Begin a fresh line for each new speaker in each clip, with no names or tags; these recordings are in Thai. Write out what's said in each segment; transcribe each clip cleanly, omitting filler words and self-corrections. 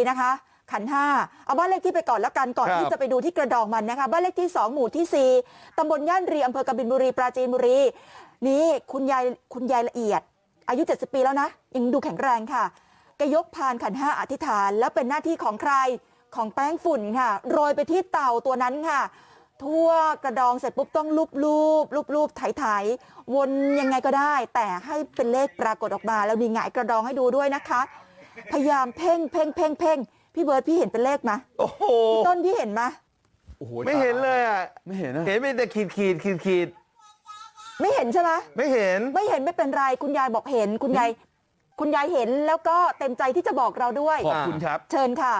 นะคะขันห้าเอาบ้านเลขที่ไปก่อนแล้วกันก่อนที่จะไปดูที่กระดองมันนะคะบ้านเลขที่2หมู่ที่4ตำบลย่านรีอำเภอกบินบุรีปราจีนบุรีนี่คุณยายละเอียดอายุ70 ปีแล้วนะยังดูแข็งแรงค่ะแกยกพานขันห้าอธิษฐานแล้วเป็นหน้าที่ของใครของแป้งฝุ่นค่ะโรยไปที่เต่าตัวนั้นค่ะทั่วกระดองเสร็จปุ๊บต้องลูบไถวนยังไงก็ได้แต่ให้เป็นเลขปรากฏออกมาแล้วนี่หงายกระดองให้ดูด้วยนะคะพยายามเพ่งพี่เบิร์ดพี่เห็นเป็นเลขไหมโอ้โหต้นพี่เห็นไหม
โอ้โห
ไม่เห็นเลยอ่ะ
ไม่เห็นนะ
เห็นเป็นแต่ขีด
ไม่เห็นใช่ไหม
ไม่เห็น
ไม่เป็นไรคุณยายบอกเห็นคุณยายเห็นแล้วก็เต็มใจที่จะบอกเราด้วย
ขอบคุณครับ
เชิญค่ะ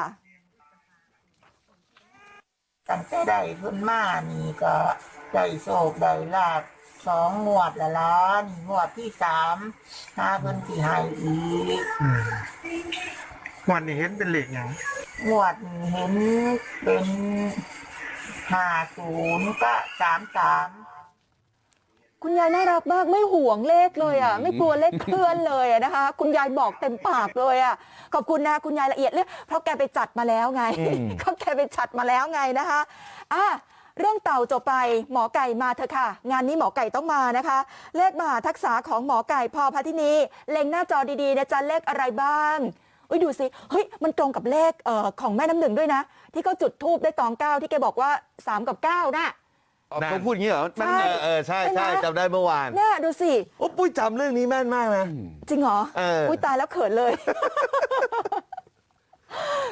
ตั้งแต่ได้ขึ้นมานี่ก็ได้โศกได้ลาบ2 งวดละล้านงวดที่3หาเพิ่นสิให้อีก
งวดนี้เห็นเป็นเลขหยัง
งวดนี้เห็นเป็น50ก็33
คุณยายน่ารักมากไม่ห่วงเลขเลยอ่ะไม่กลัวเลขเคลื่อนเลยนะคะคุณยายบอกเต็มปากเลยอ่ะขอบคุณนะคุณยายละเอียดเลยเพราะแกไปจัดมาแล้วไงเขาแกไปจัดมาแล้วไงนะคะเรื่องเต่าจบไปหมอไก่มาเถอะค่ะงานนี้หมอไก่ต้องมานะคะเลขมหาทักษะของหมอไก่พพทินีเล็งหน้าจอดีๆนะจ๊ะเลขอะไรบ้างดูสิเฮ้ยมันตรงกับเลขของแม่น้ำหนึ่งด้วยนะที่เขาจุดธูปได้ตอง9ที่แกบอกว่า3กับ9น่ะ
เขาพูดอย่างนี้เหรอใช่จำได้เมื่อวาน
น่าดูสิ
โอ้ปุ้ยจำเรื่องนี้แม่นมากนะ
จริงเหรอปุ้ยตายแล้วเขินเลย